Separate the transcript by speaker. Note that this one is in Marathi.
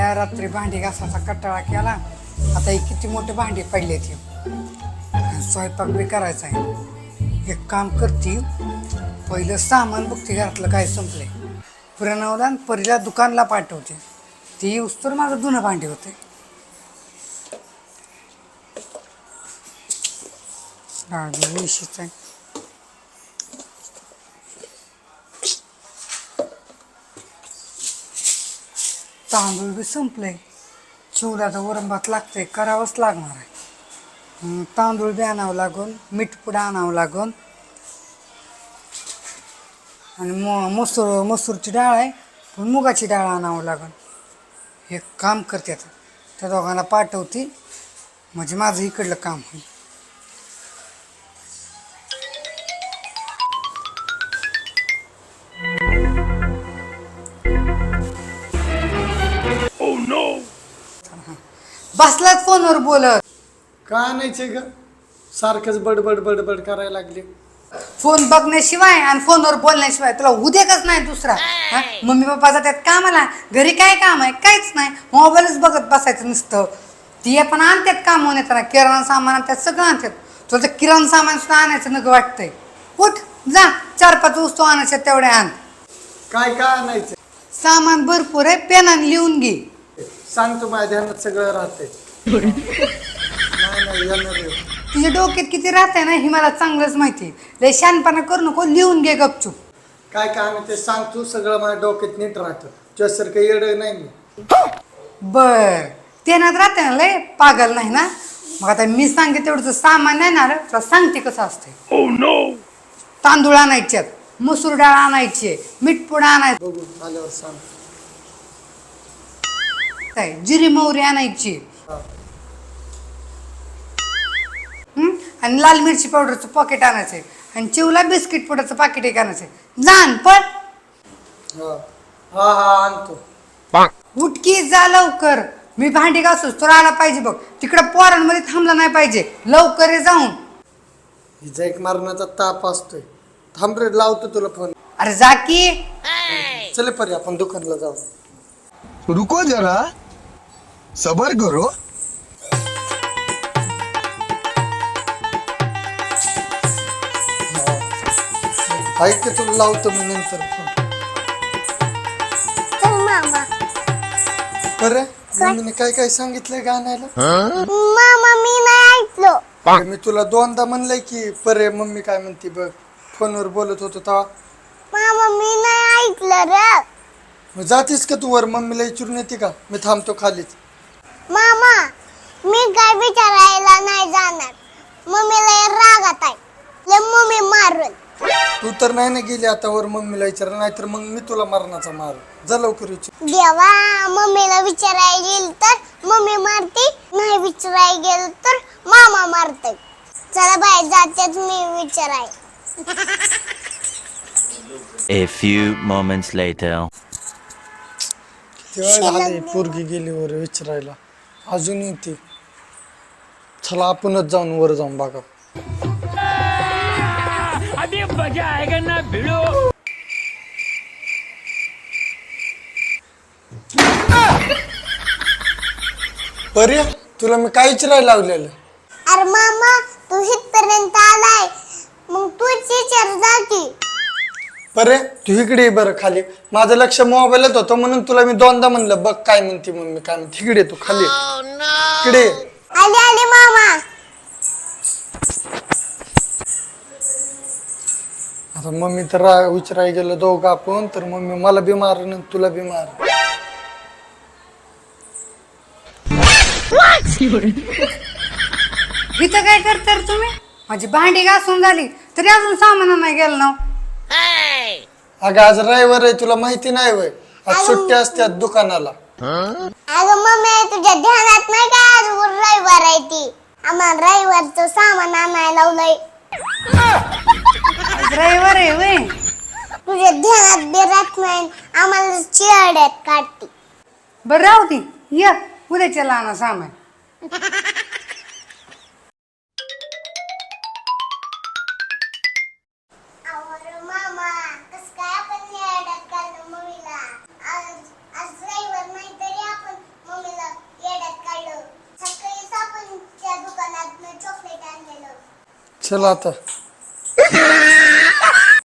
Speaker 1: काय रात्री भांडी घासायचा कटाळा केला. आता ही किती मोठे भांडी पडले ती. स्वयंपाक बी करायचा आहे. एक काम करते, पहिलं सामान बघते घरातलं काय संपलंय. प्रणवला आणि परीला दुकानला पाठवते. ती येऊस तर माझं जुनं भांडी होते. आहे तांदूळ बी संपले. चिवला तर वरण भात लागतंय, करावंच लागणार आहे. तांदूळ बी आणावं लागून, मीठ पुडा आणावं लागून आणि मसूरची डाळ आहे, पण मुगाची डाळ आणावं लागून. हे काम करते आता, त्या दोघांना पाठवते म्हणजे माझं इकडलं काम होईल. बसलाच फोनवर बोलत.
Speaker 2: का आणायचे ग? सारखंच बडबड बडबड करायला लागले.
Speaker 1: फोन बघण्याशिवाय आणि फोनवर बोलण्याशिवाय तुला उद्योगच नाही दुसरा. मम्मी पप्पा जातात कामाला, घरी काय काम आहे? काहीच नाही, मोबाईलच बघत बसायचं नुसतं. ती पण आणतात काम होऊन येताना, किराणा सामान आणतात, सगळं आणतात. तुला तर किराणा सामान सुद्धा आणायचं नको वाटतंय. उठ जा, 4-5 वस्तू आणायच्या तेवढ्या आण.
Speaker 2: काय काय आणायचं?
Speaker 1: सामान भरपूर आहे, पेनाने लिहून घे.
Speaker 2: सांगतो, माझ्या ध्यानात सगळं राहतंय. नाही येणार.
Speaker 1: तुझ्या डोक्यात किती राहतंय ना हे मला चांगलंच माहिती. लय शहाणपणा करू नको, लिहून घे गपचूप.
Speaker 2: काय काय आणायचं सांगतो, सगळं माझ्या डोक्यात नीट राहतं. तुझ्यासारखं येडं नाही मी.
Speaker 1: बर, तेनात राहते ना, लय पागल नाही ना. मग आता मी सांगते तेवढं सामान नाही ना, तुला सांगते कसं असते. तांदूळ आणायच्यात, मसूर डाळ आणायची, मीठ पुडा आणायचं,
Speaker 2: बघू आल्यावर सांग.
Speaker 1: जिरी मोहरी आणायची,
Speaker 2: हा.
Speaker 1: आणि लाल मिरची पावडरचं पॉकेट आणायचंय, आणि चिवला बिस्किट पुडाचं पाकिट एक आणायचंय. जाण पण
Speaker 2: हा हा हा आणतो.
Speaker 1: उठकी जा लवकर. मी भांडी घासूस तर आला पाहिजे बघ. तिकडं पोरांमध्ये थांबला नाही पाहिजे. लवकर ये जाऊन.
Speaker 2: हिचा एक मारण्याचा ताप असतोय. थांब रे, लावतो तुला फोन.
Speaker 1: अरे जा की.
Speaker 2: चल परी, आपण दुकानला जाऊ.
Speaker 3: रुको जरा, सबर करो.
Speaker 2: ऐक की, तुला लावतो मी नंतर फोन. बरं, मम्मीने काय काय सांगितलंय गाण्याला?
Speaker 4: मामा मी नाही ऐकलो.
Speaker 2: मी तुला 2दा म्हणलंय की परे मम्मी काय म्हणते बघ. फोनवर बोलत होतो तेव्हा.
Speaker 4: मामा मी नाही ऐकलं रे.
Speaker 2: मग जातीस का तू वर? मम्मीला विचारून येते का? मी थांबतो खालीच.
Speaker 4: मामा मी काय विचारायला नाही जाणार. मम्मीला रागात आहे, लय मम्मी मारल.
Speaker 2: तू तर नाही ना गेली आता वर मम्मीला विचार, नाहीतर मग मी तुला मरणाचा मार. जा लवकर विचार.
Speaker 4: देवा, मम्मीला विचारायला गेल तर मम्मी मारते, नाही विचारायला गेल तर मामा मारते. चला बाय, जातेच मी विचाराय.
Speaker 5: A few moments later.
Speaker 2: तेव्हा झाले, पोरगी गेली वर विचारायला, अजून येते. चला आपणच जाऊन वर जाऊन बघा.
Speaker 6: अभी मजा आएगा ना भिड़ो.
Speaker 2: पर्या, तुला मी काय विचारायला लावलेलं?
Speaker 4: अरे मामा तू इथपर्यंत आलाय, मग तूच विचार जा की.
Speaker 2: पर्या तू इकडे ये बरं खाली. माझं लक्ष मोबाईलच होतं म्हणून तुला मी 2दा म्हणलं बघ काय म्हणते मम्मी काय म्हणते. इकडे तू खाली इकडे.
Speaker 4: आले आले मामा.
Speaker 2: आता मम्मी तर विचारायला गेलो दोघं आपण, तर मम्मी मला बी मार तुला बी मार.
Speaker 1: इथं काय करता तुम्ही? माझी भांडी घासून झाली तरी अजून सामान नाही गेलं ना.
Speaker 2: अगं आज रविवार आहे, तुला माहिती नाही वय? आज सुट्टी असतात दुकानाला.
Speaker 4: अगं मम्मी तुझ्या ध्यानात नाही का आज रविवार आहे ती? आम्हाला रविवारचं सामान आणायला लावलंय.
Speaker 1: आज रविवार आहे वय?
Speaker 4: तुझ्या ध्यानात बी राहत नाही, आम्हाला चिरड्यात काढते.
Speaker 1: बरं राहू दे, ये उद्याच्या लहान सामान.
Speaker 4: मामा कसं काय आपण चिरड्यात काढलं मम्मीला? आज रविवार नाही तरी आपण
Speaker 2: चल आता